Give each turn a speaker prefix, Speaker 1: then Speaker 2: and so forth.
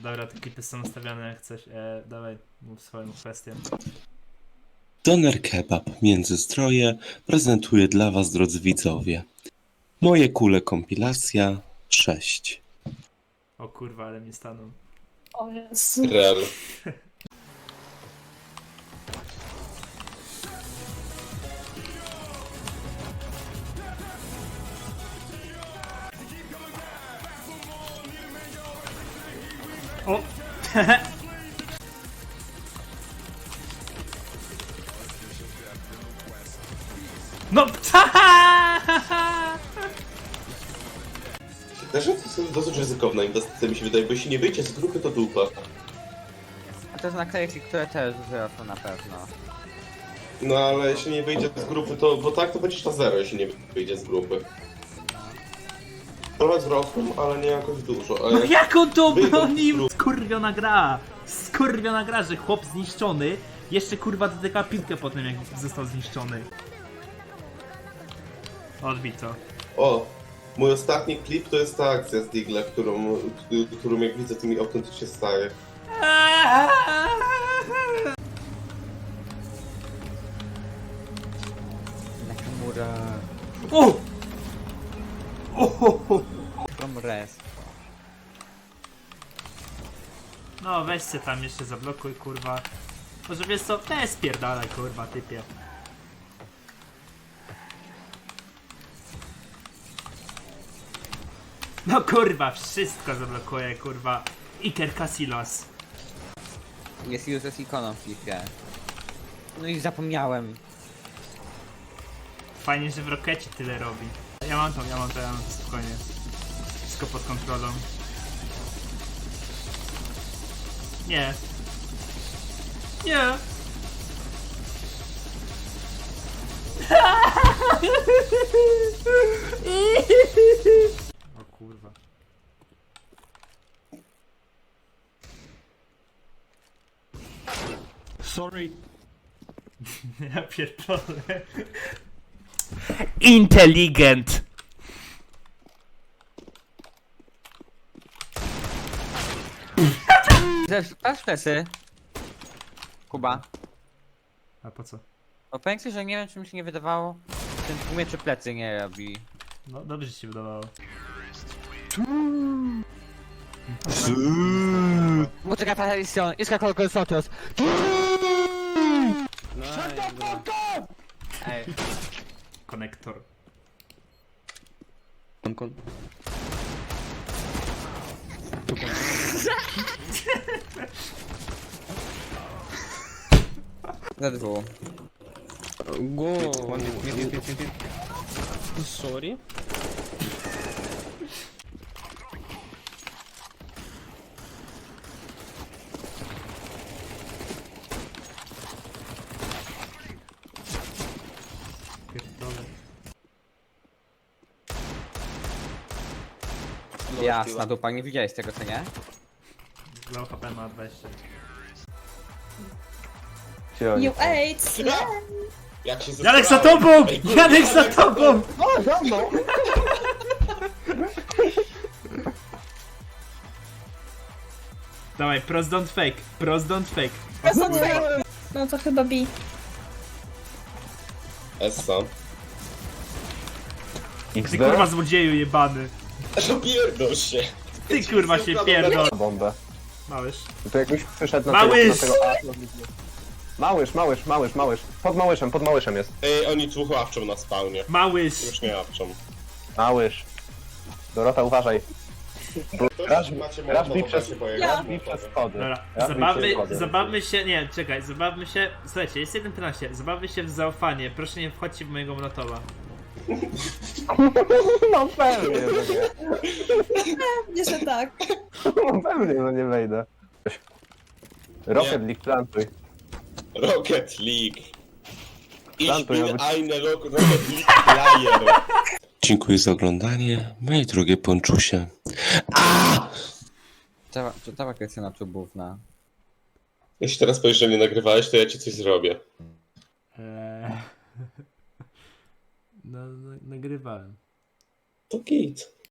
Speaker 1: Dobra, te klipy są ustawiane jak coś. Dawaj, mów swoją kwestię.
Speaker 2: Doner Kebab Międzyzdroje prezentuje dla Was, drodzy widzowie, moje kule kompilacja 6.
Speaker 1: O kurwa, ale mi stanął.
Speaker 3: O Jezu.
Speaker 4: Real.
Speaker 1: O! No!
Speaker 4: Też to jest dosyć ryzykowna inwestycja, mi się wydaje, bo jeśli nie wyjdzie z grupy, to dupa.
Speaker 5: A to jest naklejki, które też wzrosną na pewno.
Speaker 4: No ale jeśli nie wyjdzie z grupy, to... Bo tak to będziesz na zero, jeśli nie wyjdzie z grupy. Trochę wzrosną, ale nie jakoś dużo. A
Speaker 1: No jak on to
Speaker 4: wyjdą z
Speaker 1: bronił?
Speaker 4: grupy-
Speaker 1: Skurwiona gra! Skurwiona gra, że chłop zniszczony jeszcze kurwa dotyka piłkę po tym, jak został zniszczony. Odbij to.
Speaker 4: O! Mój ostatni klip to jest ta akcja z Digla, którą jak widzę, to mi autentycznie staje.
Speaker 5: Nakamura...
Speaker 1: O! O!
Speaker 5: From Rest.
Speaker 1: No weź się tam jeszcze zablokuj kurwa. Może wiesz co? Weź spierdalaj kurwa typie. No kurwa, wszystko zablokuje kurwa. Iker Casillas.
Speaker 5: Jest useless ikoną w FIFA. No i zapomniałem.
Speaker 1: Fajnie, że w Rokecie tyle robi. Ja mam to spokojnie. Wszystko pod kontrolą. Nie. Nie. O kurwa.
Speaker 6: Sorry.
Speaker 1: Ja pierdolę. Inteligent.
Speaker 5: Patrz plecy. Kuba.
Speaker 1: A po co?
Speaker 5: Bo powiem ci, że nie wiem, czy mi się nie wydawało, że ten tłumie czy plecy nie robi.
Speaker 1: No dobrze ci się wydawało.
Speaker 5: Poczekaj, Patricio, jest jak Sotios. Ej,
Speaker 1: Konektor.
Speaker 5: za dwóch.
Speaker 6: Go. Sorry.
Speaker 1: Pierdolę.
Speaker 5: Jasna dupa, nie widziałeś tego, co nie?
Speaker 1: Low HP ma 20.
Speaker 3: You ate. Yeah.
Speaker 4: Jak się
Speaker 1: Janek za
Speaker 4: zesrałem.
Speaker 1: tobą!
Speaker 4: Ej, kurwa,
Speaker 1: Janek za tobą! Dawaj, pros don't fake, pros don't fake.
Speaker 3: No to chyba B.
Speaker 4: Essa.
Speaker 1: Ty kurwa złodzieju jebany.
Speaker 4: No pierdol się.
Speaker 1: Ty kurwa się pierdol.
Speaker 7: Bombę.
Speaker 1: Małysz.
Speaker 7: To jakbyś przyszedł na
Speaker 1: Małysz!
Speaker 7: tego A. Małysz. Pod małyszem jest.
Speaker 4: Ej, oni tu ławczą na spawnie.
Speaker 1: Małysz.
Speaker 4: Już nie ławczą.
Speaker 7: Małysz. Dorota, uważaj. Raz
Speaker 4: Raz
Speaker 7: bij przez-
Speaker 3: Ja.
Speaker 7: I przez schody.
Speaker 1: Dobra,
Speaker 7: Ja
Speaker 1: zabawmy się, nie, czekaj, zabawmy się, słuchajcie, jest 1.15, zabawmy się w zaufanie, proszę nie wchodźcie w mojego monotowa.
Speaker 7: No pewnie, że nie.
Speaker 3: Nie, że tak.
Speaker 7: No pewnie, że nie wejdę. Rocket League plantuj.
Speaker 4: Rocket League. Ich
Speaker 7: Plantuj,
Speaker 4: bin
Speaker 7: aby-
Speaker 4: eine Rocket League Player.
Speaker 2: Dziękuję za oglądanie, moje drogie ponczusie.
Speaker 5: Cała Krystyna Czubówna.
Speaker 4: Jeśli teraz powiesz, że nie nagrywałeś, to ja ci coś zrobię.
Speaker 1: No, nagrywałem.
Speaker 4: To git.